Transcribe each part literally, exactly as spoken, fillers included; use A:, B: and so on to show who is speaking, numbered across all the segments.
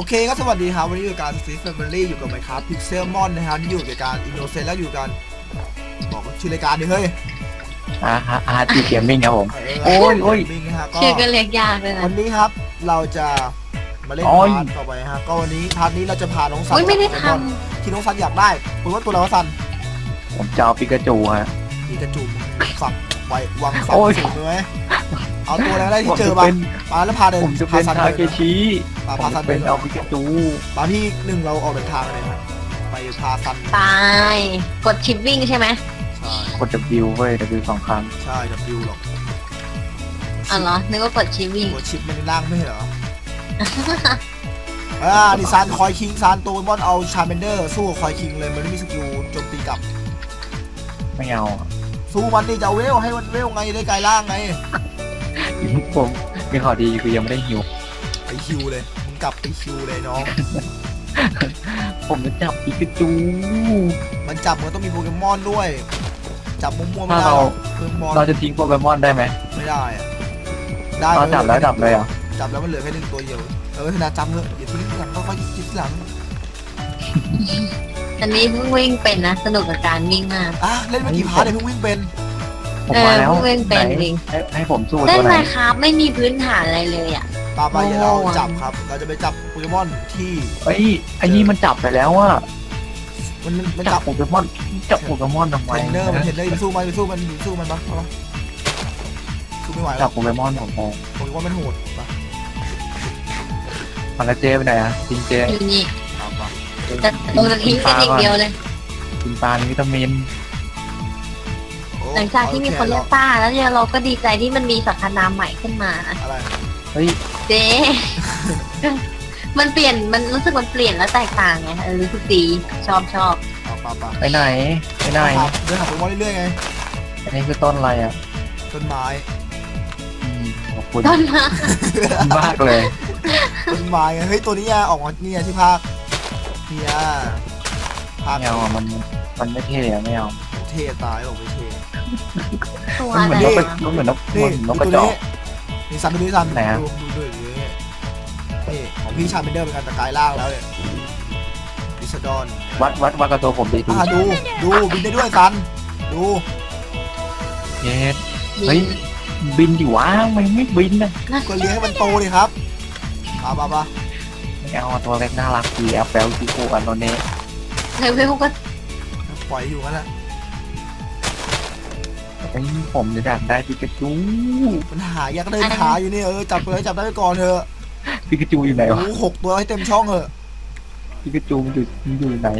A: เคก็สวัสดีครับวันนี้อยู่การซีฟแฟมิลี่อยู่กับไมค์ครับพิกเซลมอนนะครับที่อยู่ในการอินโนเซนต์แล้วอยู่กันบอกชื่อรายการดิเฮ้ย
B: อาฮะอาร์ตีเกมมิ่งครับผมโอ้ยโอ้ย
C: ชื่อก็เรียกยากเลยนะ
A: วันนี้ครับเราจะมาเล่นพาร์ทต่อไปฮะก็วันนี้พาร์ทนี้เราจะพาน้องซัน
C: ไม่ได้ท
A: ำที่น้องซันอยากได้คุณว่าตัวอะไรวะซัน
B: ผมจะเอาปิกาจูฮะ
A: ปิกาจูฝักไว้วางฝักสูงเลยไหมเอาตัวอะไรได้ที่เจอมามาแล้วพาเดิน
B: ผมจะเป็นทาเกชิ
A: พาพาซัน
B: เป็นเอาปิกาจู
A: มาที่หนึ่งเราออกเดินทางเลยครับไปพาซัน
C: ตายกดชิปวิ่งใช่ไหม
A: ใช่
B: กด W เว้ย W สองครั้ง
A: ใช่ W หรอก
C: อ๋อเหรอนึกว่ากดชิปวิ่ง
A: กดชิปมันล่างไม่เหรออ่าดิซานคอยคิงซานตัวบอลเอาชาเมนเดอร์สู้คอยคิงเลยมันไม่มีสกิลโจมตีกลับ
B: ไม่เอา
A: สู้มันดิจะเอาเวลให้มันเวลไงได้กลายร่างไง
B: ผมมีข่าวดีคือยังไม่ได้ฮิว
A: ไปฮิวเลยมึงกลับไปฮิวเลยน้อง
B: ผมจะจับปิกาจู
A: มันจับมันต้องมีโปเกมอนด้วยจับมั่วๆไม่
B: ได้เราจะทิ้งโปเกมอนได้ไหม
A: ไม่ได้ได้
B: เราจับแล้วจับเลยอ่ะ
A: จับแล้วมันเหลือแค่หนึ่งตัวเดียวเออขนาดจำเลยอย่าทิ้งหลังก็ค่อยคิดหลัง
C: อันนี้เพิ่งวิ่งเป็นนะสนุกกับการวิ่งมาก
A: อ่ะเล่นมากี่พาร์ทเลยเพิ่งวิ่งเป็น
B: ผมมาแล้ว
C: เพิ่งเป็นจริง
B: ให้ผมสู้
C: ตัวไหนเล่นมาครับไม่มีพื้นฐานอะไรเลยอ่ะ
A: ปาไปเราจับครับเราจะไปจับโปเกมอนที่
B: เฮ้ยไอ้นี่มันจับไปแล้วอ่ะ
A: มันมัน
B: จับโปเกมอนจับโปเกมอนทำไม
A: เทรนเนอร์มันเทรนเนอร์มันสู้มันสู้มันสู้มันปะสู้ไม่ไหว
B: จับโปเกมอนของผม
A: โปเกมอนมันโหดปะ
B: มันละเจไปไหนอะจริงเจ
C: อยู่นี่แต่ตัวจะทิ้งกันอย่างเดียวเลย
B: กินปลาวิตามิน
C: หลังจากที่มีคนเรียกป้าแล้วเนี่ยเราก็ดีใจที่มันมีสรรพนามใหม่ขึ้นมา
A: อะไร
B: เฮ้ย
C: เจ๊มันเปลี่ยนมันรู้สึกมันเปลี่ยนแล้วแตกต่างไงรู้สึกดีชอบชอบ
B: ไปไหนไปไหน
A: เดินหาโปเกมอนเรื่อยๆไง
B: อันนี้คือต้นอะไรอ่ะ
A: ต้นไม้
B: ขอบคุณ
C: ต้นไม้
B: มากเลย
A: ต้นไม้ไงเฮ้ยตัวนี้ออกมาเนี่ยที่ภาคเนี่ย
B: ภาคไม่เอามันมันไม่เท่ไม่เอา
A: เท่ตายหรอกไม่เท่
C: มันเหมือนนก
B: มันเหมือนนกนกกระจอก
A: นี่ซันดูดิซันดูดูดูนี่ของพี่ชาเมนเดอร์เป็นการตะกายล่างแล้วเนี่ยดิสดอน
B: วัดวัดวัดกระตัวผมดี
A: ดูดูดูบินได้ด้วยซันดู
B: เย็ดเฮ้ยบินอยู่วะมันไม่บินนะ
A: ก็เลี้ยงให้มันโตเลยครับป่าป่าป่า
B: ไม่เอาตัวเล็กน่ารักดีแอปเปิลที่คู่อันโนเน่
C: เฮ้ยเฮ้ยพวกก็
A: ปล่อยอยู่นั่นแหละ
B: ไอ้ผมจะดักได้ปิกาจู
A: มันหายากเดินหาอยู่นี่เออจับเลยจับได้ไปก่อนเถอะ
B: ปิกาจูอยู่ไหนวะ
A: หกตัวให้เต็มช่องเถอะ
B: ปิกาจูมันอยู่มันอยู่ไหน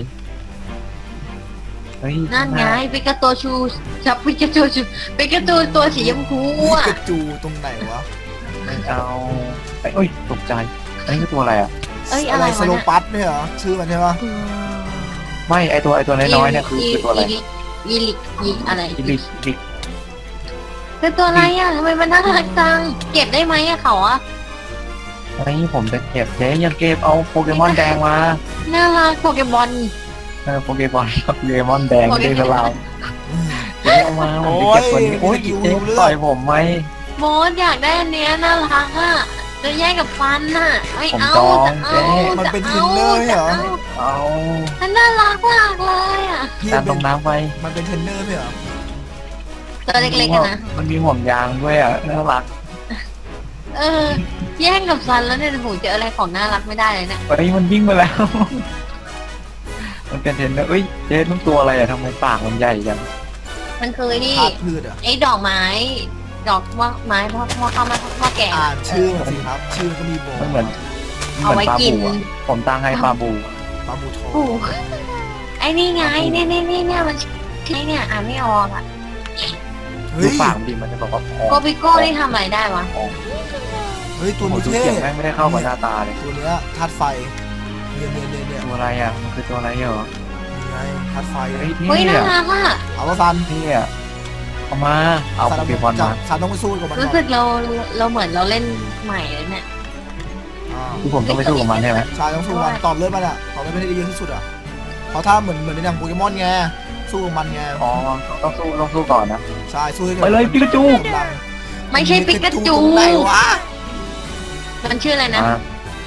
C: นั่นไงปิกาโตชูจับปิกาจูชูปิกาจูตัวสีชมพูอ่ะ
A: ปิกาจูตรงไหนวะ
B: ไม่เอาไอ้เอ้ยตกใจอันนี้คือตัวอะไรอ่ะ
C: เอ้ยอะไร
A: สโลปัสเนี่ยเหรอชื่อมันใช่ปะ
B: ไม่ไอตัวไอตัวน้อยๆเนี่ยคือคือตัวอะไร
C: อีลิกอีอะไร
B: อีลิกอีลิก
C: คือตัวอะไรอ่ะทำไมมันน่ารักจังเก็บได้ไหมอะเขาอะ
B: ไอ้ผมจะเก็บเจ๊ยังเก็บเอาโปเกมอนแดงมา
C: น่ารักโปเกมอน
B: เออโปเกมอนโปเกมอนแดงไม่ได้เราเจ๊เอามาผมจะเก็บคนนี้โอ้ยเจ๊ต่อยผมไหม
C: โมดอยากได้อันเนี้ยน่ารักอ่ะจะแย่งกับฟันน่ะไม่เอาจะเอา
A: มันเป็นเทรนเนอร์เหรอ
B: เอา
C: มันน่ารักมากเลยอ่ะ
B: การลงน้ำไป
A: มันเป็นเทรนเนอร์เหรอ
C: ตัวเล็กๆนะ
B: มันมีห่วงยางด้วยอ่ะน่ารัก
C: เออแย่งกับฟันแล้วเนี่ยผมเจออะไรของน่ารักไม่ได้เลยเนี่ย
B: เฮ้ยมันวิ่งมาแล้วมันเป็นเทรนเนอร์เอ้ยเจ๊ต้องตัวอะไรอ่ะทำไมปากมันใหญ่จัง
C: มันเคยนี่ไอ้ดอกไม้ดอกว่าไม้พ่อพ่อเข้ามาพ่อแก่
A: อ่านชื่อสิครับชื่อก็มีบอก
B: มันเหมือน
C: เอาไว้กิน
B: ผมตั้งให้ปลาบู
A: ปลาบูทอง
C: ไอ้นี่ไงเนี่ยเนี่ยเนี่ยมันใช่เนี่ยอ่านไม่ออกอ่ะ
B: ดูปากดีมันจะบอกว่า
C: โกบิโก้นี่ทำอะไรได้วะ
A: เฮ้ยตัวนี้เท่
B: ไม่ได้เข้ากับหน้าตาเลย
A: ตัวเนี้ยธาตุไฟเนี่ยเนี่ยเนี่ยเนี่ย
B: ตัวอะไรอ่ะมันคือตัวอะไรเหรอ
A: ไงธาตุไฟ
C: เฮ้ยน่ารักอ่ะ
A: เอาละซัน
B: นี่อ่ะเอามาเอาโปเกมอนมา
A: ซันต้องไปสู้กับมัน
C: รู้สึกเราเราเหมือนเราเล่นใหม่เลยเนี่ย
B: คือผมต้องไปสู้กับมันใช่ไหม
A: ใช่ต้องสู้มันตอบเลือดมันอ่ะตอบเลือดไม่ได้เยอะที่สุดอ่ะเพราะถ้าเหมือนเหมือนในหนังโปเกมอนไงสู้กับมันไง
B: อ๋อต้องสู้ต้องสู้ก่อนนะ
A: ใช่สู้
B: ไปเลยปิกาจู
C: ไม่ใช่ปิกาจู
A: ไหนวะ
C: มันชื่ออะไรนะ
B: ช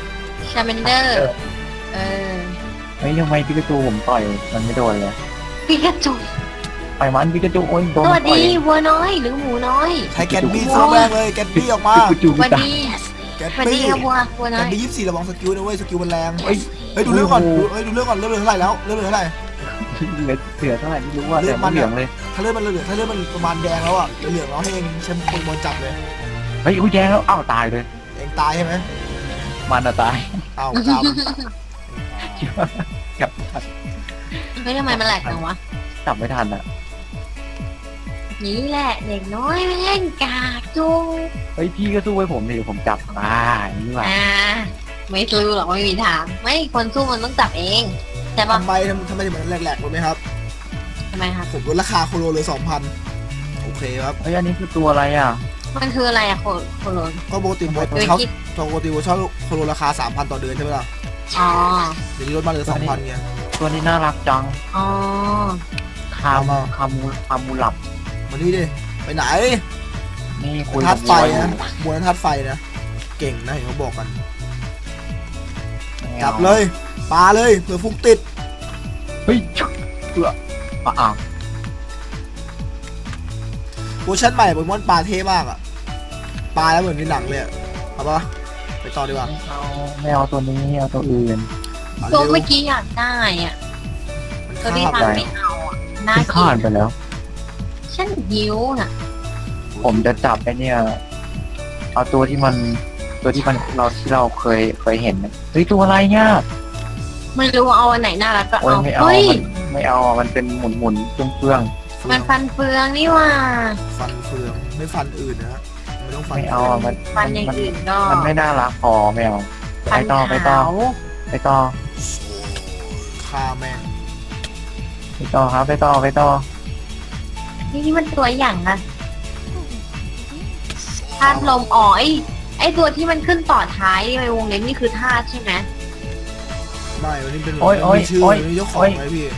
C: ชาเมนเดอร์ เออ
B: เฮ้ยทำไมปิกาจูผมต่อยมันไม่โดนเลย
C: ปิกาจู
B: ไปมันปิกาจูโอ้ยโดน
C: สวัส
B: ต่อย
C: ดีวัวน้อยหรือหมูน้อย
A: ใช้แกนบี้สู้แม่งเลยแกนบี้ออกมา
B: ปิกาจู
C: สวัส
B: ตาย
C: ดี
A: แกน
C: สวัสดี
A: บี้
C: ครับวัววัว
A: แก
C: น้อน ย
A: บี้ยี่สิบสี่ระวังสกิลนะเว้ยสกิลมันแรง
B: เฮ้ย
A: เฮ้ยดูเรื่องก่อนดูเฮ้ยดูเรื่องก่อนเรื่องเหลือเท่าไหร่แล้วเรื่องเหลือเท่าไหร่
B: เหลือเหลือเท่าไหร่ไม่รู้ว่าแต่ไม่เหลืองเลย
A: ถ้าเลือดมันเหลือถ้าเลือดมันประมาณแดงแล้วอ่ะเหลืองๆแล้วให้เองแชมป์โปเกมอนจับเลย
B: เฮ้ยอุ้ยแย่แล้วอ้าวตายเลย
A: เองตายใช่ไหม
B: มันอะตาย
A: อ้าวกรรม
B: คิดว่ากับ
C: เฮ้ยทำไมมันแหลกจังวะ
B: จับไม่ทันอะ
C: นี่แหละเด็กน้อยแม่งกากจุง
B: เฮ้ยพี่ก็สู้ให้ผมดิผมจับอ่าอย่างนี่ว่ะ
C: อ่าไม่สู้หรอกไม่มีทางไม่คนสู้มันต้องจับเองใช่ปะ
A: ทำไมทำทำไมถึงมันแหลกๆรู้ไหมครับ
C: ทำไมครับ
A: ผมลดราคาโคโลเลยสองพันโอเคครับ
B: เฮ้ยอันนี้คือตัวอะไรอ่ะ
C: มันคืออะไรอะโคโคโลน
A: ก็ปกติโบ
C: โดย
A: เขา
C: คิด
A: ปกติโบเช่าโคโลราคาสามพันต่อเดือนใช่ไหมล่ะ
C: อ๋อ
A: เดี๋ยวนี้ลดมาเหลือสองพันไง
B: ตัวนี้น่ารักจัง
C: อ๋อ
B: คา
A: เอา
B: มู
A: มา
B: คามูคามูหลับ
A: มานี่ดิไปไหน
B: นี่คุย
A: ธา
B: กับ
A: ตุไฟ
B: วัวอยู่
A: นะมวยธาตุไฟนะเก่งนะเห็นเขาบอกกัน
B: ไม่อา
A: จับเลยปาเลยเผื่อฟุกติด
B: เฮ้ยชุบเผื่ออ่ะอ้าว
A: เวอร์ชันใหม่โปเกมอนปลาเท่มากอะปลาแล้วเหมือนในหนังเลยอะเอาปะไปต่อดีกว่า
B: ไม่เอาไม่เอาตัวนี้เอาตัวอื่น
A: ปลา
C: ตัว
A: เร็ว
C: เมื่อกี้อยากได้อะตัวที่
A: มัน
C: ทัน
A: คาบ
C: ไม่เอาอะน่า
B: ที่
C: กิ
B: ข้าน
C: น
B: ไปแล้ว
C: ฉันหิวน่ะ
B: ผมจะจับไอ้เนี่ยเอาตัวที่มันตัวที่มันเราที่เราเคยเคยเห็นนะเฮ้ยตัวอะไรเนี่ย
C: ไม่รู้เอาอันไหนน่ารักก็
B: โอ้ย
C: เอา
B: ไม่เอา
C: เฮ้ย
B: มันไม่เอามันเป็นหมุนหมุนๆเฟื่อง
C: มันฟันเฟืองนี่ว่า
A: ฟันเฟืองไม่ฟันอื่นนะไม่ต้อง
B: ๆ
A: ฟัน
B: ไม่เอาอะมัน
C: ฟันอย่าง
B: มัน
C: อื่นก็
B: มันไม่น่ารักพอไม่เอา
C: ฟั
B: ไป
C: น
B: ต่อไปต่อ
C: ขาว
B: ไปต่อ
A: ฆ่าแม่ง
B: ไปต่อครับไปต่อไปต่อ
C: นี่นี่มันตัวอย่างนะธาตุลมอ๋อไอไอตัวที่มันขึ้นต่อท้ายในวงเล็บนี่คือธาตุใช่ไหม
A: ไม่วันนี้เป็น
B: โอ้ยโอ้ย
A: มีชื่อ
B: โอ้ย
A: มีเจ้าของ
B: โอ้ย
A: ไหมพี่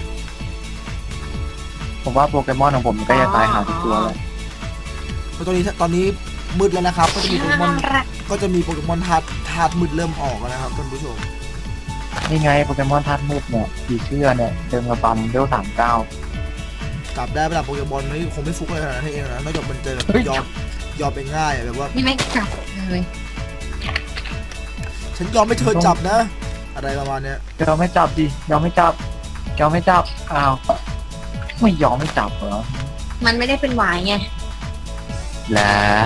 B: ผมว่าโปเกมอนของผมก็จะตายหาทุกตัวเลย
A: เพราะตอนนี้ตอนนี้มืดแล้วนะครับ ก็จะมีโปเกมอน
C: น่ารัก
A: ก็จะมีโปเกมอนธาตุธาตุมืดเริ่มออกแล้วนะครับท่านผู้ชม
B: นี่ไงโปเกมอนธาตุมืดเนี่ยผีเสื้อเนี่ยเดินกระบำเวลสามเก้า
A: จับได้ระดับโปเกมอนนี่คงไม่ฟุกอะไรขนาดนั้นให้เองนะนอกจากมันจะแบบ
B: เฮ้ย
A: ยอมยอมไปง่ายอะแบบว่า
C: นี่ไม่จับเลย
A: ฉันยอมไม่เธอจับนะ อะไรประมาณเนี้ย
B: ยอมไม่จับดิยอมไม่จับยอมไม่จับอ้าวไม่ยอมไม่จับเหรอ
C: มันไม่ได้เป็นหวายไง
B: แหละ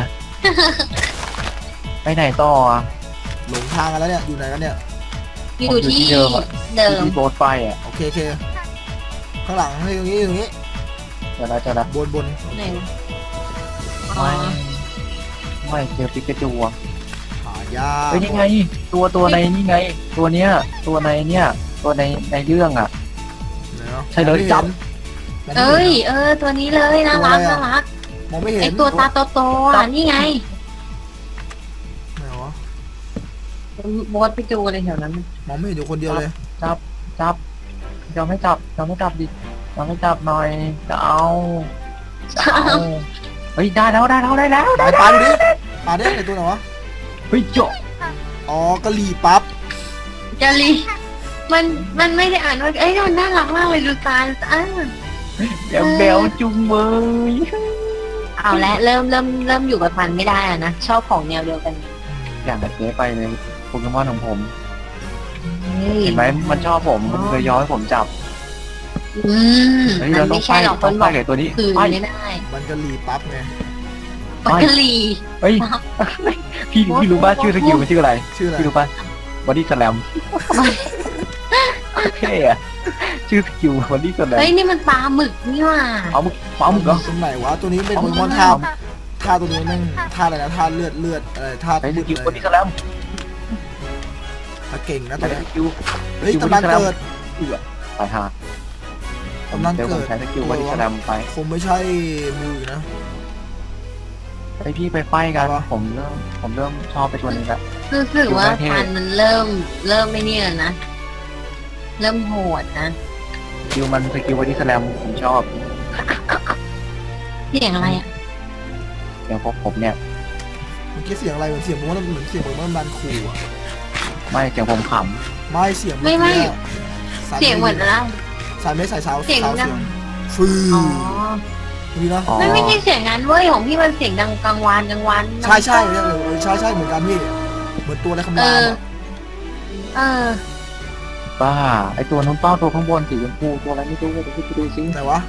B: ไปไหนต่ออ่ะ
A: หลงทางกันแล้วเนี่ยอยู่ไหนกันเนี่ย
C: อยู่ที่
B: ผมอยู่ที่เดิมอะ
C: เดิม
B: ที่โบสถ์ไฟอ่ะ
A: โอเคโอเคข้างหลังให้ตรงนี้ตรงนี้
B: เดี๋ยวนะเดี๋ยวนะ
A: บนบน
C: ไหนวะอ๋อ
B: ไม่ไม่เจอปิกาจูอ่ะ
A: หายาก
B: เฮ้ยนี่ไง ตัวตัวในนี่ไง ตัวเนี้ย ตัวในเนี่ย ตัวในในเรื่องอ่ะ
A: ไหนเนาะ
B: ใช่เลยจับ
A: มองไม่
C: เอ้
A: เห็
C: ย
A: น
C: เออ ตัวนี้เลยน่ารัก
A: ตัวอะไรอะ
C: น่ารัก
A: มองไม่เห็
C: ไอน ตัวตาโตๆอ่ะนี่ไง
A: ไหนวะ
C: โบสไปจูเลยแถวนั้น
A: มองไม่เห็นอยู่คนเดียวเลย
B: จับจับยอมไม่จับยอมไม่จับดิยอมไม่จับหน่อยจะเอาจะเอาเฮ้ยได้แล้วได้แล้วได้แล้ว
A: ไหนปลาดูดิปลาได้ในตัวไหนวะ
B: เฮ้ยโจ
A: อ๋อกะหรี่ปั๊บ
C: จารีมันมันไม่ได้อ่านว่าเอ้ยมันน่ารักมากเลยดูตาอ่า
B: เบลเบลจุงเบย
C: เอาละเริ่มเริ่มเริ่มอยู่กับมันไม่ได้อะนะชอบของแนวเดียวกัน
B: อย่างกับเจ๊ไปเลยโปเกมอนของผม
C: เฮ้ย
B: เห็นไหมมันชอบผมมันเลยย้อนให้ผมจับ
C: อืม
B: เฮ้ย
C: มั
B: เรา
C: น
B: ต้อ
C: ไม่
B: งไป
C: ใช่หรอกค
B: ต้อน ง
C: บ
B: ไป
C: อก
B: กับตัวนี้
C: คือ
B: ไป
C: ไม่ได้
A: มันกะหรี่ปั๊บไง
C: ปักกะหรี
B: เฮ้ยพี่พี่รู้ป่ะชื่อสกิลมันชื่ออะไร
A: ชื่ออะไร
B: พี่รู้ป่ะบอดี้สแลมเท่อะชื่อสกิลบอดี้สแลม
C: เฮ้ยนี่มันปลาหมึกนี่หว่า
B: เอามึงเอามึงเหรอ
A: ตรงไหนวะตัวนี้เป็น
B: เอา
A: โปเกมอน
B: เอา
A: ท่าท่าตัวนี้แม่งท่าอะไรนะท่าเลือดเลือดอะไรท่า
B: ไอ้ส
A: มืด
B: กิล
A: เล
B: บอย ดี้สแลม
A: ถ้าเก่งนะ
B: ไอ้
A: ตัว
B: ส
A: เนี้ย
B: กิล
A: เฮ้ยตำนานเกิด
B: เอือตายห่า
A: ตำนาน
B: เดี๋ยวผ
A: เกิ
B: ม
A: ด
B: ใช้สกิลบอดี้สแลมไป
A: คงไม่ใช่มือนะ
B: ไอพี่ไปไฟกัน
A: เอาวะ
B: ผมเริ่มผมเริ่มชอบไปตัวนี้แล้ว
C: รู้สึกว่า
B: ดูไม่เท่
C: พันธุ์มันเริ่มเริ่มไม่เนี่ยนะ เริ่มโหดนะ
B: สกิลมันสกิลบอดี้สแลมผมชอบ
C: เสียงอะไรอ่ะ
B: อย่างพวกผมเนี่ย
A: เมื่อกี้เสียงอะไรเหมือนเสียงโปเกมอนเหมือนเสียงโปเกมอนดันขู่อะ
B: ไม่เสียงผมข
A: ไม่เสียง
C: ไม่ไม่
A: สา
C: เสียงเหมือนอะไร
A: สายไม่สายสาว
C: เสียง
A: สาว
C: ดั
A: เสี
C: ง
A: ยงฟื้
C: อ๋อ
A: นี่นะ
B: ำอ๋อ
C: ไม่ไม่ใช่เสียงนั้นเว้ยของพี่มันเสียงดังกลางวานกลางวัน
A: ใช่ใช่เออใช่ใช่เหมือนกันพี่เหมือนตัวอะไรคำ
C: เอ
A: ราม
C: อ
A: อะ
C: เออ
B: บ้าไอตัวนู้นเป้าตัวข้างบนสีชมพูตัวอะไรไม่รู้เดี๋ยวพี่ไปดูซิ
A: ไหนวะ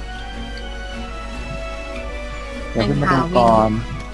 B: เดี๋ยวขึ้นมาดูก่อน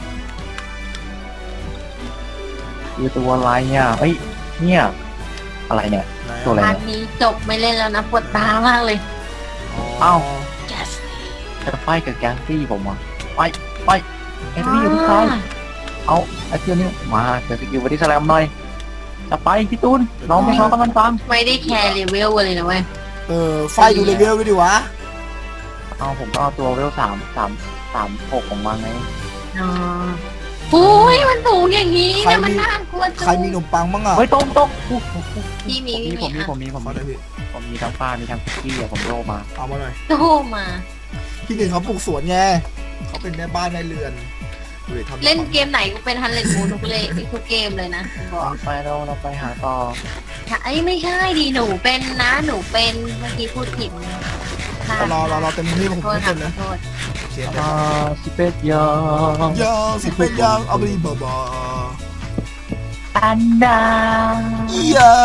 B: คือตัวอะไรเนี่ยเอ้ยเนี่ยอะไรเนี่ย
A: ไหน
B: ตัวอะไร
C: พาร์ทนี้จบไม่เล่นแล้วนะปวดตามากเลย
B: เอ้า
C: yes
B: จะไฟกับแก๊งซี่ผมอ่ะไปไปไอ้ที่อยู่ที่ซ้ายเอาไอ้เที่ยวนี้มาเดี๋ยวสกิลบอดี้สแลมหน่อยจะไปพี่ตูนลองไปลองกับมันฟัง
C: ไม่ได้แคร์เลเวลเลยนะเว้ย
A: เออไฟดูเลเวลด้วยดิวะ
B: เอาผมก็เอาตัวเวลสามสามสามหกของมันไง
C: อ๋ออุ้ยมันสูงอย่างนี้นะมันน่ากลัวจัง
A: ใครมีขนมปังบ้างอ่ะ
B: เฮ้ยต้มต้มอู้หู
C: พี่มี
B: ผมมี
C: พี่
B: ผมมีผมมีผม
A: ขอหน่อย
B: มี
A: พี่
B: ผมมีทั้งปลามีทั้งคุกกี้อะผมโลมา
A: เอามาหน่อย
C: โตมา
A: พี่หนึ่งเขาปลูกสวนไงเขาเป็นแม่บ้านแม่เรือนดูดิทำ
C: เล่นเกมไหนก็เป็นฮันเลนมูทุกเลยทุกเกมเลยนะบอก
B: ไปเราเราไปหาต่อ
C: ไอ้ไม่ใช่ดีหนูเป็นนะหนูเป็นเมื่อกี้พูดผิดค่ะ
A: รอรอรอเต็มที่ผม
C: โทษ
A: ไม่
C: ค่ะ
A: เต็ม
C: ข
A: นะ
C: อโทษ
A: เชียร์
B: อ่าสิเป็ดยาง
A: ยางสิเป็นยางเอาไปดีบ่บ่
B: อันดา
A: ยา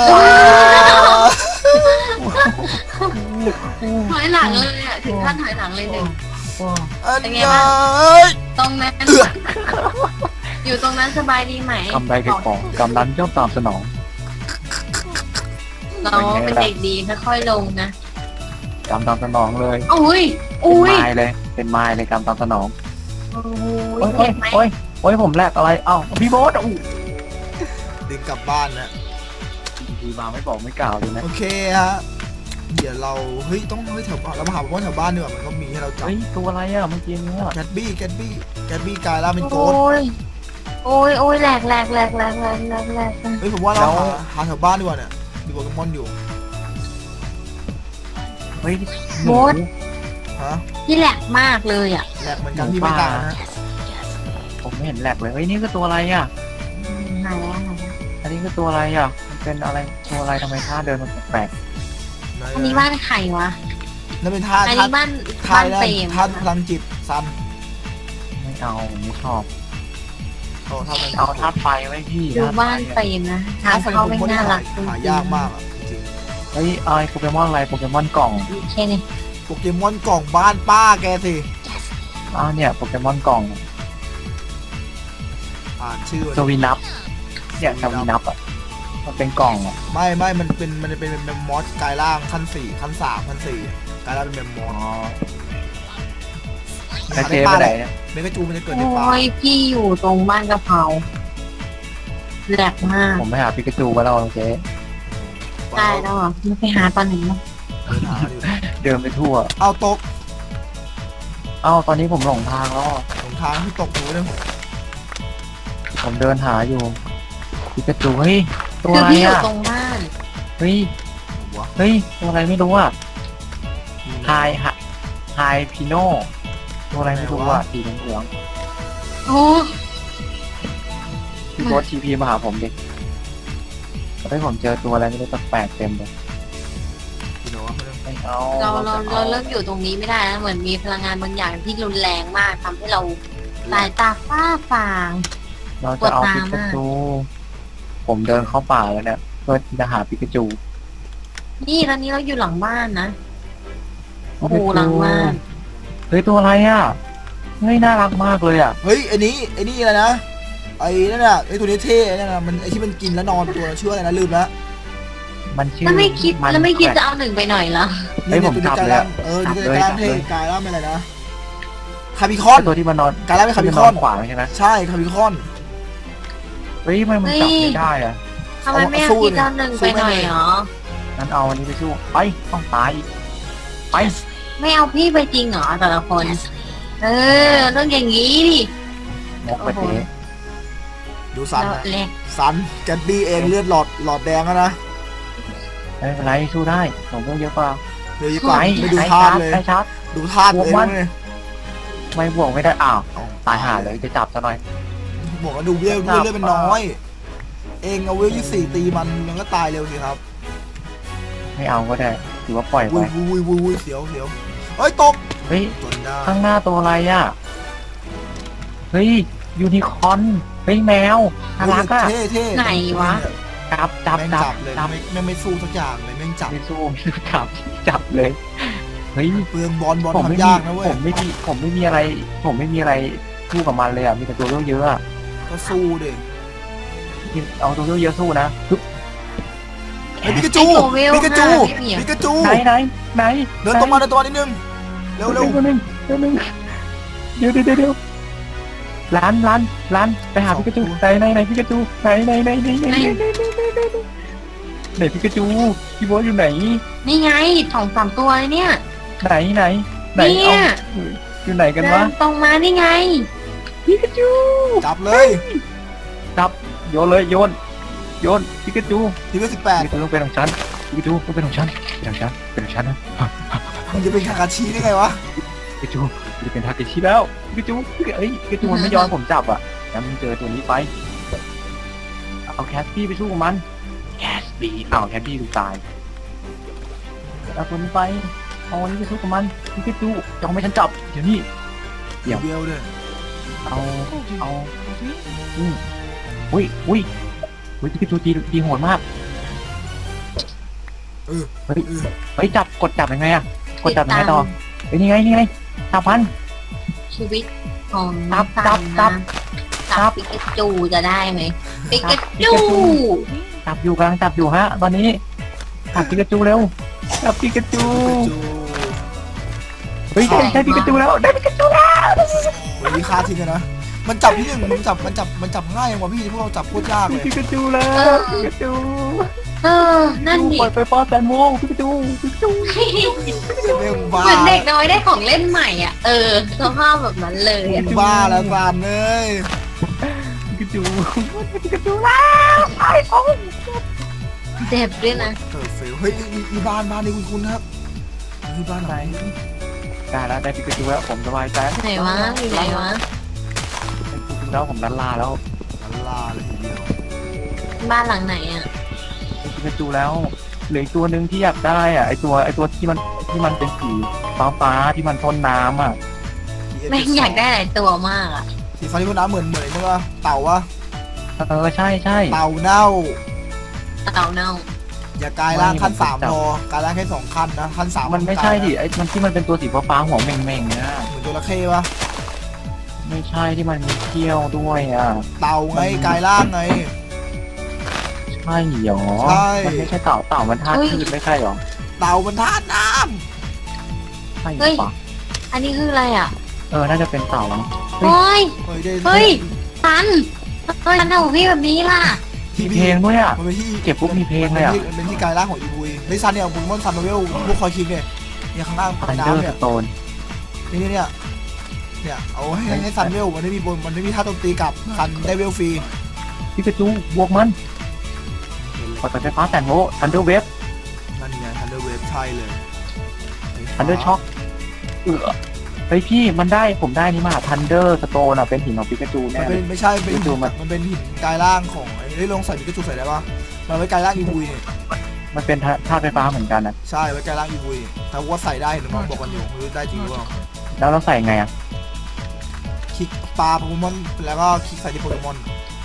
C: ถอยหลังเลยอ่ะถึงขั้นถอยหลังเลยหนึ่ง
A: อัน
C: เป็นไง
A: ยา
C: บ้าง ตรงนั้นอยู่ตรงนั้นสบายดีไหม
B: คำใดแก่ของกำนันย่อมตามสนอง
C: เราเป็นเด็กดีค่อยๆลงนะ
B: กำตามสนองเลย
C: อุ้ย
B: เป็น
C: อุ้ย
B: ไม้เลย เป็นไม้เลยกำตามสนอง
C: โอ้
B: โอ้ย
C: ย
B: โอ้ย
C: เจ็บไหม
B: โอ้ยโอ้ยผมแลกอะไรเอ้าพี่โบ๊ทอู้
A: ดึงกลับบ้านนะ
B: ดีมาไม่บอกไม่กล่าวเลยนะ
A: โอเคฮะเดี๋ยวเราเฮ้ยต้องเฮ้ยแถวบ้านเรามาหาว่าแถวบ้านดีกว่ามันก็มีให้เราจับ
B: เฮ้ยตัวอะไรอ่ะเมื่อกี้เนี่ย
A: แกตบี้แกตบี้แกตบี้กลายร่างเป็นโก
C: โอ้
A: ด
C: ยโอ้ยโอ้ยแหลกแหลกแหลกแหลกแหลกแหลกแหลก
A: เฮ้ยผมว่าเราหาหาแถวบ้านดีกว่าเนี่ยมีโปเกมอนอยู่
B: เฮ้ย
C: โบ๊ท
A: ฮะ
C: ที่แหลกมากเลยอ่ะ
A: แหลกเหมือนกันที่ไม่ต่างนะ
B: ผมไม่เห็นแหลกเลยเฮ้ยนี่คือตัวอะไรอ่ะ
C: หายแล้วหายแล้ว
B: อันนี้คือตัวอะไรอ่ะมันเป็นอะไรตัวอะไรทำไมท่าเดินมันแปลก
C: อันนี้บ้านใครวะ
A: นั่นเป็นท่า
C: อัน
A: ท่า
C: นี้บ้าน
A: ท่า
C: บ้าน
A: แร
C: เปร
A: ก
C: ม
A: ท่าพลังจิตซัน
B: ๆไม่เอาผมไม่ชอบ
A: โอ้ท่าพลังจิต
B: เอาท่าไฟไว้พี่
C: ดู
B: ธตุไฟ
C: บ้านเปร
B: อะ
C: มนะทางเข้าไม่น่ารักจริง
A: หายากมากอ่ะจริง
B: เฮ้ยอะไรโปเกมอนอะไรโปเกมอนกล่อง
C: แค่นี้
A: โปเกมอนกล่องบ้านป้าแกสิ
B: อ้าวเนี่ยโปเกมอนกล่อง
A: อ่านชื่อ
B: สวีนับเนี่ยสวีนับอ่ะมันเป็นกล่องอ่ะ
A: ไม่ไม่มันเป็นมันเป็นเป็นแมมมอสกลายร่างขั้นสี่ขั้นสามขั้นสี่กลายร่างเป็นแมมมอ
B: อ๋อ
A: ส
B: ไอเจไปไหนเนี่ย
A: เมกาจูมันจะเกิดในป่า
C: โอ้ยพี่อยู่ตรงบ้านกะเพราแหลกมาก
B: ผมไปหาปิกาจูมาแล้วเจ๊
C: ได้แล้วเหรอไม่ไปหาตอนไหนเนาะ
A: เดินหาอยู่
B: เดินไปทั่ว
A: เอาตก
B: เอ้าตอนนี้ผมหลงทางแล้ว
A: หลงทางที่ตกอยู่เนี่ย
B: ผมเดินหาอยู่ปิกาจูเฮ้ยตัว
C: คือ
B: อะไร
C: พี่อยู่
B: อ่ะ
C: ตรงบ้าน
B: เฮ้ย
A: หัว
B: เฮ้ยตัวอะไรไม่รู้อ่ะไฮไฮพิโน่ตัวอะไรไม่รู้อ่ะสีเหลือง
C: โอ้
B: ๆพี่โบ๊ททีพีมาหาผมดิเฮ้ยผมเจอตัวอะไรไม่รู้แปลกๆเต็มเลย
A: พี่โน้ต
B: ไม่เอา
C: เราเรา
B: จะ
C: เรา
B: อ
C: เลิกอยู่ตรงนี้ไม่ได้นะเหมือนมีพลังงานบางอย่างที่รุนแรงมากทำให้เราสายตาฝ้าฟาง
B: เราจะเอา
C: ปวดตา
B: ปิกาจู ผมเดินเข้าป่าแล้วเนี่ยเพื่อที่จะหาปิกาจู
C: นี่ตอนนี้เราอยู่หลังบ้านนะโอ้โหหลังบ้าน
B: เฮ้ยตัวอะไรอ่ะเฮ้ยน่ารักมากเลยอ่ะ
A: เฮ้ยไอ้นี้ไอ้นี่อะไรนะไอ้นั่นน่ะไอ้ตัวนี้เท่ไอ้นั่นน่ะมันไอ้ที่มันกินแล้วนอนตัวชื่ออะไรนะลืมแล้ว
B: มันชื่อ
C: แล้วไม่คิด
B: น
C: แล้วไม่คิด
B: แปล
C: จะ
B: ก
C: เอาหนึ่งไปหน่อยเหรอ
B: เฮ้ยผม
A: ตัว
B: จั
A: นี้
B: บ
A: กลาย
B: เลย
A: ร่า
B: อะ
A: งเออ
B: จั
A: นี่
B: บ
A: ก
B: เลย
A: ลายร่าง
B: จับ
A: เท่
B: เลย
A: กลายร่างเป็นอะไรนะคาบิคอน
B: ตัวที่มันนอน
A: กลายร่างเป็นคาบิ
B: ที่
A: ค
B: มั
A: อน
B: นขวางใช่ไหม
A: ใช่คาบิคอน
B: เฮ้ยทำไมมันจับไม่ได้อ่ะ
C: ทำไมไม่เอาคิดจะเอาหนึ่งไปหน่อยเหรอ
B: งั้นเอาอันนี้ไปสู้ไปต้องตายอีกไป
C: ไม่เอาพี่ไปจริงเหรอแต่ละคน เออเรื่องอย่างนี้ดิ
B: มกไปเท
A: ดูซัน
C: เรา
A: นะ
C: แหลก
A: ซันแกตบี้เองเลือดหลอดหลอดแดงแล้วนะ
B: ไม่เป็นไรสู้ได้ผมพวกเยอะกว่า
A: เดี๋ยวดีกว่า
B: ไป
A: ไม่ดู
B: ไป
A: ธา
B: ชา
A: ตุ
B: ร์จ
A: เลย
B: ไปชาร์จ
A: ดูธาตุตัวเอง
B: บวกมัน
A: เลย
B: ไม่บวกไม่ได้อ้าวตายห่าเลยจะจับซะหน่อย
A: บอกว่าดูเลือดเลือดเป็นน้อยเองเอาเวลยี่สี่ตีมันมันก็ตายเร็วสิครับ
B: ไม่เอาก็ได้ถือว่าปล่อยไป
A: วุ้ยวุ้ยวุ้ยวุ้ยเสียวเสียวเฮ้ยตก
B: เฮ้ย
A: จนได้
B: ข้างหน้าตัวอะไรอ่ะเฮ้ยยูนิคอร์นเฮ้ยแมวน่ารักอ่ะ
A: เท่เท่
C: ไหนวะ
B: จับจับ
A: แม่ง
B: จั
A: จั
B: บบ
A: เลย
B: จับ
A: ไม่ไม่ไม่สู้สักอย่างเลยแม่งจับ
B: ไม่สู้ไม่สู้จับจับเลยเฮ้ย
A: เปลืองบอลบอล
B: ผมไม่
A: ทำ
B: มี
A: ยากนะเว้ย
B: ผมไม่มีผมไม่มีอะไร ผมไม่มีอะไรสู้กับมันเลยอ่ะมีแต่ตัวเยอะๆอ่ะ
A: ก็สู้ดิ
B: เอาตัวเยอะๆสู้นะปึ๊บ
A: เฮ้ยปิกาจู
C: ไอ้ตัวเวล
A: ปิกาจู
C: ห้าไม่มีอะ
A: ปิกาจู
B: ไหนไหนไหน
A: เดินตรงมาเดินตรงมานิดนึงเร็วเร็ว
B: เดี๋ยวนึงเดี๋ยวนึงเดี๋ยวเดี๋ยวเดี๋ยวร้านร้านร้านไปหาพิกาจูไหนไหนไหนพิกาจูไหนไหนไหนไหนไหนไหนไหนพิกาจูพี่โบ๊ทอยู่ไหน
C: นี่ไงสองสามตัวเลยเนี่ย
B: ไหนไหนไหน
C: เนี่ย
B: เอาอยู่ไหนกัน
C: เดิ
B: วะ
C: นตรงมานี่ไง
B: พิกาจู
A: จับเลย
B: จับโยนเลยโยนโยนพิกาจู
A: ทีวีสิบแปด
B: พิกาจูต้องเป็นของฉันพิกาจูต้องเป็นของฉันเป็นของฉันเป็นของฉันนะ
A: มันจะเป็นคาคาชิได้ไงวะ
B: พิกาจูจะเป็นทาเกชิแล้วพิกาจูเอ้ยพิกาจูมันไม่ยอมผมจับอ่ะงั้นมึงเจอตัวนี้ไปเอาแคสปี้ไปสู้กับมันแคสปี้เอาแคสปี้ดูตายเอาตัวนี้ไปเอาอันนี้ไปสู้กับมันพิกาจูจะเอาไม่ฉันจับเดี๋ยวนี้ เดี๋ยว
A: เดียวเลย
B: เอาเอาอืมอุ้ยอุ้ยอุ้ยพิกาจูตีตีโหดมาก
A: เออ
B: เฮ้ย
A: เออ
B: เฮ้ยจับกดจับยังไงอะกดจับยังไงต่อเฮ้ยนี่ไงนี่ไงจับพัน
C: ชีวิตของ
B: จับจับจับ
C: จับปิกาจูจะได้ไหมปิกาจู
B: จับอยู่กำลังจับอยู่ฮะ ตอนนี้จับพิกาจูเร็วจับพิกาจู
A: ปิกาจู
B: เฮ้ยได้ได้พิกาจูแล้วได้พิกาจูแล้ว
A: เฮ้ยฆ่าทิ้งเลยนะมันจับที่หนึ่งมันจับมันจับมันจับง่ายอย่างว่าพี่พวกเราจับโคตรยากเลย
B: พิกาจูแล้วพิกาจู
C: เออนั่นดิ
B: ปล่อยไฟฟ้าแสนโวลต์พิกาจูพิกาจู
A: เรื่องบ้า
C: เหมือนเด็กน้อยได้ของเล่นใหม่อ่ะเออสภาพแบบนั้นเลยอะ
A: บ้าแล้วฟานเลย
B: พิกาจูพิกาจูแล้วไอ้โอ้
C: เจ็บด้วยนะ
A: เออเฟลเฮ้ยมีมีบ้านบ้านนี่คุณคุณครับมีบ้านไหน
B: ได้แล้วได้พิกาจูแล้วผมสบายใจ
C: ไหนวะอยู่ไหนวะ
B: แล้วผมลันลาแล้ว
A: ลาเลยทีเดียว
C: บ้านหลังไหนอ่ะ
B: พิกาจูแล้วเหลืออีกตัวหนึ่งที่อยากได้อ่ะไอตัวไอตัวที่มันที่มันเป็นสีฟ้าฟ้าๆที่มันทนน้ำอ่ะ
C: แม่งอยากได้หลายตัวมากอ่ะ
A: สีฟ้าที่พ่นน้ำเหมือนเหมือนใช่ปะเต่าวะ
B: เออใช่ใช่
A: เต่าเน่า
C: เต่าเน่า
A: อย่ากลายร่างขั้นสามพอกลายร่างแค่สองขั้นนะขั้นสาม
B: มันไม่ใช่ดิไอมันที่มันเป็นตัวสีฟ้าฟ้าๆหัวเม่งๆเนี่ย
A: เหมือนจระเข้ปะ
B: ไม่ใช่ที่มันมีเขี้ยวด้วยอ่ะ
A: เต่าไงกลายร่างไง
B: ใช่หรอ
A: ใช่
B: มันไม่ใช่เต่าเต่ามันธาตุพืชไม่ใช่หรอ
A: เต่ามันธาตุน้
B: ใช่หรือเปล่า
C: อันนี้คืออะไรอ่ะ
B: เออน่าจะเป็นเต่ามั้ง
C: โอ้ย
A: ำเฮ้ยได้
C: เฮ้ย ทันเฮ้ยทันทำของพี่แบบนี้ล่ะ
B: มีเพลงด้วยอ่ะ
A: มันเป็นที่
B: เก็บปุ๊บมีเพลงเลยอะ
A: มันเป็นที่กลายร่างของอีบุยเฮ้ยซันเนี่ยบุญมอนซันโนเวลพวกคอยคิงเนี่ยเนี่ยข้างล่าง
B: ทันเดอ
A: น้ำ
B: ร์
A: เนี่
B: ส
A: ย
B: โตน
A: นี่เนี่ยเนี่ยเนี่ยเอาให้ให้ซันเวลมันไม่มีบนมันไม่มีท่าโจมตีกลับซันได้เวลฟรี
B: พิกาจูบวกมันปล่อยไฟฟ้าแสนโวลต์ทันเดอร์เวฟ
A: นั่นไงทันเดอร์เวฟใช่เลย
B: ทันเดอร์ช็อคเออเฮ้ยพี่มันได้ผมได้นี่มาทันเดอร์สโตนอ่ะเป็นหินของพิกาจู
A: มั
B: แน่
A: น
B: เล
A: เป็
B: ย
A: นไม่ใช่เป็น
B: ดูมัน
A: มันเป็นหินกลายร่างของไอ้ได้ลงใส่ปิกาจูใส่ได้ปะมันไว้กลายร่างอีบุยเนี่ย
B: มันเป็นธาตุไฟฟ้าเหมือนกันนะ
A: ใช่ไว้กลายร่างอีบุยแต่ว่าใส่ได้หรือมันบอกกันอยู่ไม่รู้ได้จริงหรือเปล่า
B: แล้วเราใส่ไงอ่ะ
A: คลิกปลาโปเกมอนแล้วก็คลิกใส่ที่โปเกมอน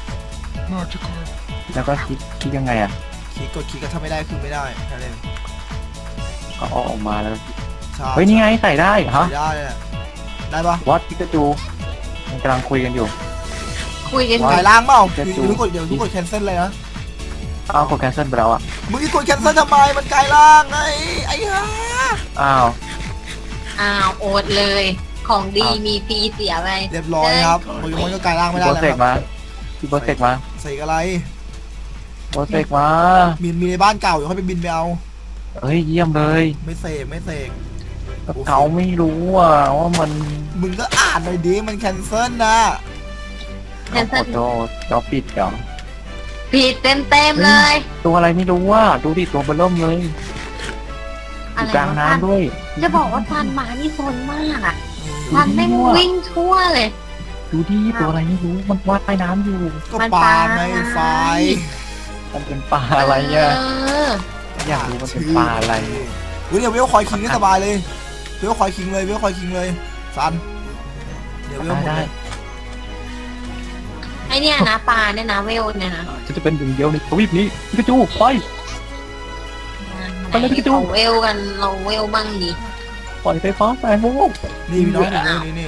B: แล้วก็คิดคิดยังไงอ่ะ
A: คลิกกดคลิกก็ถ้าไม่ได้คือไม่ได้แค่นั้นเอง
B: ก็เอาออกมาแล้ว
A: ใช่
B: เฮ้ยนี่ไงใส่ได้ฮะ
A: ใส่ได้เนี่ยได้ปะ
B: วัดพิกาจูมันกำลังคุยกันอยู่
C: คุยกัน
A: กลายร่างเปล่า
B: จะ
A: อยู่
B: จู
A: ทุกกดเดี๋ยวทุกกดแคนเซิลเลยนะ
B: อ้าวกดแคนเซิลไปแล้วอ่ะ
A: มึงจะกดแคนเซิลทำไมมันกลายร่างไงไอ้ห่า
B: อ้าว
C: อ้าวโอดเลย ของดีมีฟรีเสียไป
A: เรียบร้อยครับโปเกมอนก็กลายร่างไม่
B: พี่
A: ได้
B: โบ
A: แล้ว
B: เซก
A: ครับ
B: มาพี่โบเซกมา
A: ใส่อะไร
B: โบเซกมา
A: มีมีในบ้านเก่าเดี๋ยวค่อยไปบินไปเอา
B: เฮ้ยเยี่ยมเลย
A: ไม่เสกไม่เสก
B: เขาไม่รู้อ่ะว่ามัน
A: มึงก็อ่านหน่อยดิมันแคนเซิลนะ
C: แคนเซิล
B: โดเราปิดเหรอ
C: ผิดเต็มเต็มๆเลย
B: ตัวอะไรไม่รู้ว่าดูดิตัวเบลเริ่มเลยอ
C: อะ
B: ยู่
C: ไร
B: กลาง
C: วะ
B: น้ำด้วย
C: จะบอกว่าทันมานี่โซนมากอ่ะทันไม่งวิ่งทั่วเลย
B: ดูดิตัวอะไรไม่รู้มันว่ายน้ำอยู่
A: ก็ปลาไงไฟ
B: มันเป็นปลาอะไรเนี่ย
C: เออ
B: อยากรู้มันเป็นปลาอะไร
A: เฮ้ยเดี๋ยวเวลคอยคิงก็สบายเลยเวลคอยคิงเลยเวลคอยคิงเลยซันเดี๋ยวเวลหมด
B: ได้
A: เลย
C: ไอเนี่ยนะปลาเนี่ยนะเวลเนี่ยนะ
B: ฉันจะเป็นหนึ่งเดียวในทวีปนี้พิกาจูไป ไปเลยพี่จู
C: เราเวลกันเราเวลบ้างดิ
B: ปล่อยไฟฟ้าแสนโวลต์
A: นี่พี่น้องอยู่นี่นี่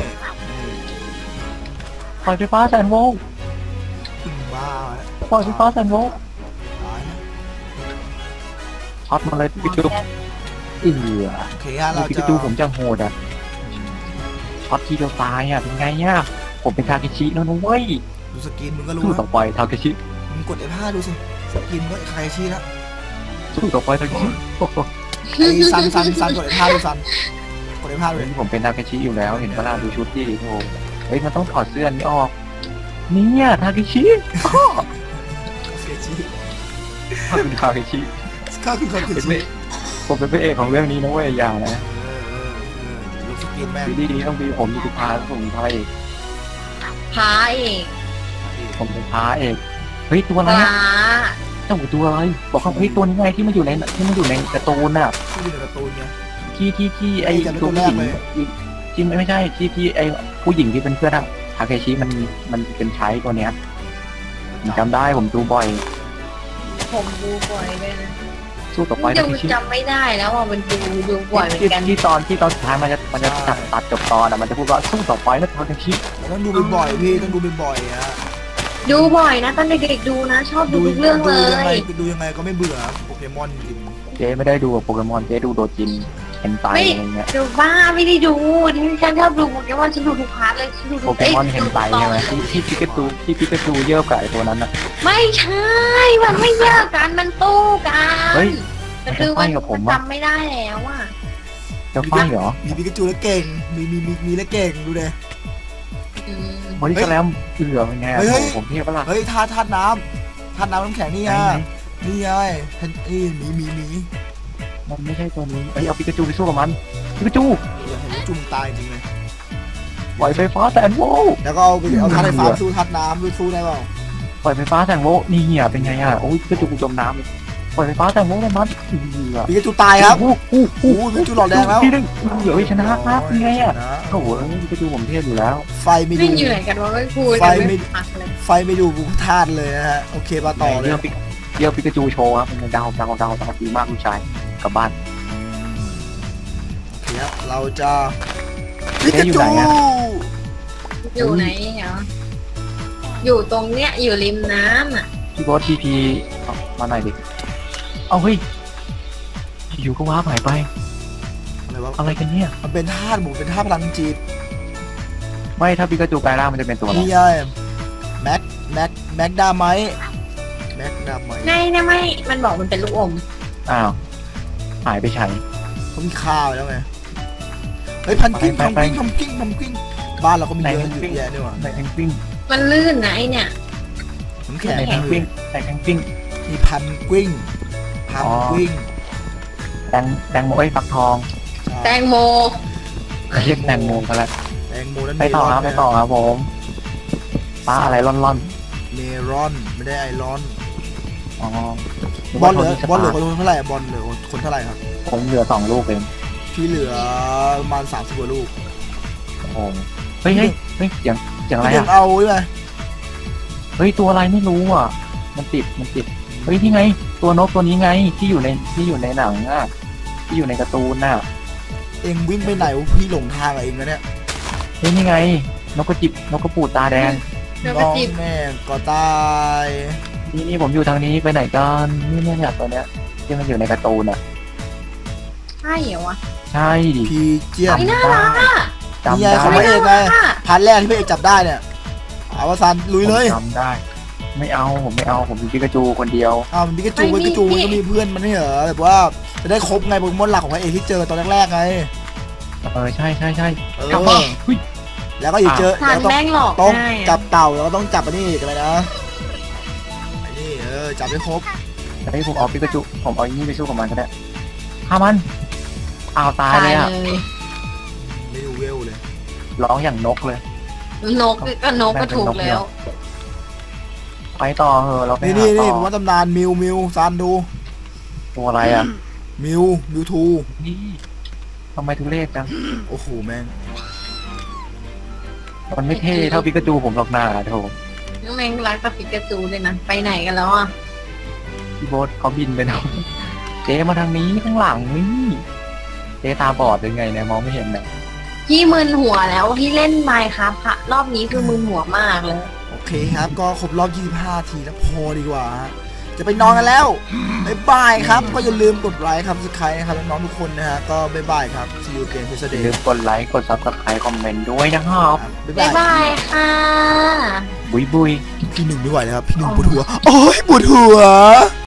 B: ปล่อยไฟฟ้าแสนโวลต์
A: ขึ้นบ้า
B: ปล่อยไฟฟ้าแสนโวลต์
A: ตายนะ
B: ช็อตมาเลยพิกาจูเอือ
A: โอเคฮะเรา
B: พิ
A: จะ
B: กาจูผมจะโหดอ่ะช็อตทีเดียวตายอ่ะเป็นไงเนี่ยผมเป็นทาเคชิแล้วนะเว้ย
A: ดูสกินมึงก็รู้
B: สู้
A: นะ
B: ต่อไปทาเคชิ
A: มึงกด เอฟ ห้า ดูสิสกินก็ใครชี้แล้ว
B: สู้ต่อไปทาเคชิโอ้โห
A: ไอ้ซันซันซันกด เอฟ ห้า ดูซันกด เอฟ ห้า เลย
B: ผมเป็นทาเคชิอยู่แล้วเห็นปะล่ะดูชุดที่โอ้เฮ้ยมันต้องถอดเสื้อนี้ออกเนี่ยทาเคชิ
A: เสียชี
B: ถ้าเป็นทาเคชิ
A: ก็คือคนเสีย
B: เป็น
A: ชี
B: พระผมเป็นพระเอกของเรื่องนี้นะเว้ยอย่านะ
A: ลูกสกินแม่ง
B: ดีดีต้องมีผมมีสุภาผมเป็นพระเอก
C: พาเอก
B: ผมเป็นพระเอกเฮ้ยตัวอะไร
C: ป
B: อะ
C: ลา
B: เจ้าตัวอะไรบอกเขาเฮ้ยตัวนี้ไงที่มันอยู่ในที่มันอยู่ในการ์ตูนน่ะ
A: ที่อยู่ในการ์ตูนไง
B: ที่ที่ที่ไอ้
A: ไอ้จำได้
B: ตัวผู้หญิง
A: ตัวแรกเลย
B: ที่ไม่ใช่ที่ที่ไอ้ผู้หญิงที่เป็นเพื่อนอะทาเคชิมันมันเป็นใช้ตัวเนี้ยผมจำได้ผมดูบ่อย
C: ผมดูบ่อยเลยนะ
B: สู้ต่อไป
C: จะ
B: ทาเคชิ
C: จำไม่ได้แล้วว่ามันดูดูบ่อยเหมือน
B: ที่
C: กัน
B: ที่ตอนที่ตอนสุดท้ายมันจะมันจะตัดตัดจบตอนอะมันจะพูดว่าสู้ต่อไปนะทาเคชิ
A: ต้องดูบ่อยๆพี่ต้องดูบ่อยๆฮะ
C: ดูบ่อยนะตอนเด็กๆดูนะ ชอบดูทุกเรื่องเล
A: ดูยังไง
C: ย
A: ดูยังไงก็ไม่เบื่อโปเกมอนจริง
B: เจ๊ไม่ได้ดูโปเกมอนเจ๊ดูโดจินเห็นไตอะไรเงี้ย
C: ดูบ้าไม่ได้ดูที่ฉันชอบดูโปเกมอนฉันดูทุกพาร์ทเลยฉันดูทุ
B: โป
C: ก
B: เกมอนเห็นไตใช่ไหมที่ที่พิกาจูที่พิกาจูเยอะกับไอ้ตัวนั้นอะ
C: ไม่ใช่มันไม่แยกกันมันตู้กัน
B: เฮ้ย
C: แต่คือ
B: มัน
C: มัน
B: จะไฟกับผม
C: มัน
B: อะ
C: จำไม่ได้แล้วอ่ะ
B: จะไฟเหรอ
A: ๆมีปิกาจูแล้วเก่งมีมีมีมีแล้วเก่งดูเลย
C: อืม
B: บอดี้สแลมเอือเป็นไง
A: เฮ้ยเฮ้ย
B: ผมเทียบปะล่ะ
A: เฮ้ยธาตุธาตุน้ำธาตุน้ำน้ำแข็งนี่
B: ไหน
A: ฮะ
B: ไหน
A: นี่ไงเห็นนี่หมีหมีหมี
B: มันไม่ใช่ตัวนี้เอ้ยเอาปิกาจูไปสู้กับมันปิกาจู
A: อยากเห็นว่าจุ่มตายจริงเลย
B: ปล่อยไฟฟ้าแสนโวลต์
A: แล้วก็เอาไปเอาธาตุไฟฟ้าสู้ธาตุน้ำสู้ได้เปล่า
B: ปล่อยไฟฟ้าแสนโวลต์นี่เหี้ยเป็นไงอ่ะโอ้ยปิกาจูกูจมน้ำเลยปล่อยไฟฟ้าแสนโวลต์เลยมันเอือ
A: ปิกาจูตายครับ
B: โอ้โหโอ้
A: โอ้
B: โห
A: โหปิกาจูหลอดแดงแล้ว
B: พี่นึงเดี๋ยวชนะครับเป็นไงอ่ะ
A: ชน
B: โอ้โหปิกาจูผมเทียบอยู่แล้ว
A: ไฟไม่ดู
C: วิ่งอยู่ไหนกันวะไม่พูด
A: ไฟ
C: กัน
A: ไม่
C: ไม่พักเลย
A: ไฟไม่ดูบุกธาตุเลยนะฮะโอเคมาต่อเลย
B: เดี๋ยวปิกเดี๋ยวปิกาจูโชว์ครับเป็นไงดาวดาวดาวดาวดีมากลูกชายกลับบ้าน
A: โอเคครับเราจะ
B: เอ๊ะอยู่ไหนอะ
C: อยู่ไหนเหรออยู่ตรงเนี้ยอยู่ริมน้ำอ่ะ
B: พี่บอสทีพีมาหน่อยดิเอาเฮ้ยอยู่ก็ว้าหายไป
A: อะไรวะ
B: อะไรกันเนี่ย
A: มันเป็นธาตุบุกเป็นธาตุพลังจิต
B: ไม่ถ้าปิกาจูกลายร่างมันจะเป็นตัวอะไร
A: นี่ไงแม็กแม็กแม็กดาไมแม็กดาไม
C: ไงนะไม่มันบอกมันเป็นลูกอม
B: อ้าวหายไปใช้
A: เขามีข้าวแล้วไงเฮ้ยพันกิ้ง
B: ไป
A: พัน
B: ไป
A: กิ้งพันกิ้งพันกิ้งบ้านเราก็มี
B: ไหน
A: เยอะ
B: พัน
A: อยู่
B: กิ้ง
A: แยะนี่หว่า
B: ในแองปิ้ง
C: มันลื่นนะไอเนี่ย
A: น้ำแข็ง
B: ในแองปิ้งในแองปิ้ง
A: มีพันกิ้งพันกิ้ง
B: แตงแตงโมไอ้ยฟักทอง
C: แตงโม
B: เรียกแตงโมกันละ
A: แตงโมนั้น
B: ไปต่อครับไปต่อครับผมป้าอะไรร่อน
A: เมรอนไม่ได้ไอรอน
B: ๆอ๋อบ
A: อลเหลือ
B: นึก
A: บอลเหลือ
B: ว่า
A: คนเท่าไหร่อะบอลเหลือคนเท่าไหร่ครับ
B: ผมเหลือสองลูกเอง
A: พี่เหลือประมาณสามสิบกว่าลูก
B: โอ้โหเฮ้ยเฮ้ยเฮ้ยเสียงเสียงอะไร
A: พี่เด็ก
B: อ่ะ
A: เอาใช่ไหม
B: เฮ้ยตัวอะไรไม่รู้อ่ะ มันติดมันติดเฮ้ยที่ไง ตัวนกตัวนี้ไงที่อยู่ในที่อยู่ในหนังอ่ะที่อยู่ในการ์ตูนน่ะ
A: เองวิ่งไปไหนวะพี่หลงทางอะเองนะเนี่ย
B: เฮ้ยนี่ไง นกกระจิบนกกระปูดตาแดง
C: เดี๋ยว
A: น้
C: กระ
A: อง
C: จิบ
A: แม่ก็ตาย
B: นี่นี่ผมอยู่ทางนี้ไปไหนกันนี่เนี่ยเนี่ยตัวเนี้ยที่มันอยู่ในการ์ตูนอ่ะ
C: ใช่เหรอวะ
B: ใช่ดิ
A: พีเจียน
C: ไม่น่ารักอ่ะ
B: จำ
A: นี่ไง
B: ได้
A: เขาไม่ เอกไง พันแรกที่พี่เอกจับได้เนี่ยเอาวสันลุยเลย
B: ผมจำได้ ไม่เอาผมไม่เอาผมมีปิกาจูคนเดียว
A: อ้าวมันปิกาจูปิกาจูมันก็มีเพื่อนมันไม่เหรอแบบว่าจะได้ครบไงโปเกมอนหลักของไอเอกที่เจอตอนแรกๆไง
B: เออใช่ใช่ใช่
A: เอก
B: ลับมา
A: อ
B: เฮ้ย
A: แล้วก็อีกเจอ
C: ทา
A: แล้
C: น
A: วต้อง
C: แม่งหลอก
A: ต้อง
C: ง่าย
A: จั
C: อะ
A: บเต่าแล้วก็ต้องจับอันนี้อีกอะไรนะไอ้นี่เออจับให้ครบ
B: แต่ให้ผมเอาปิกาจูผมเอาอันนี้ไปสู้กับมันก็ได้ฆ่ามันอ้าวตาย
C: ตาย
B: เลยอ่ะ
C: เลย
A: ไม่ดูเวลเลย
B: ร้องอย่างนกเลย
C: นกก็นกก็ถูกแล้ว
B: ไปต่อเหอะเราไป
A: นี่
B: หา
A: นี่
B: ต่
A: นี่
B: อ
A: ผมว่าตำนานมิวมิวซานดู
B: ตัวอะไรอ่ะ
A: มิวมิวทู
B: นี่ทำไมทุเรศจัง
A: โอ้โหแม่ง
B: มันไม่เท่เท่าปิกาจูผมหรอกหน้าโถ
C: น้องแมงรักกับปิกาจูเลยนะไปไหนกันแล้วอ่ะ
B: พี่โบ๊ทเขาบินไปแล้วเจ๊มาทางนี้ข้างหลังนี่เจ๊ตาบอดหรือไงเนี่ยมองไม่เห็นเลย
C: พี่มึนหัวแล้วพี่เล่นไมค์ครับรอบนี้คือมึนหัวมากเลย
A: โอเคครับก็ครบรอบยี่สิบห้าทีแล้วพอดีกว่าฮะจะไปนอนกันแล้วบ๊ายบายครับก็อย่าลืมกดไลค์ครับสไครต์นะครับน้องๆทุกคนนะฮะก็บ๊ายบายครับ see you again
B: อย่า
A: Tuesday
B: ลืมกดไลค์กดซับสไครต์คอมเมนต์ด้วยนะครับ
A: บ๊าย
C: บ๊า
A: บาย ย
C: บายค่ะ
B: บุยบุย
A: พี่หนึ่งไม่ไหวแล้วครับพี่หนึ่งปวดหัวโอ้ยปวดหัว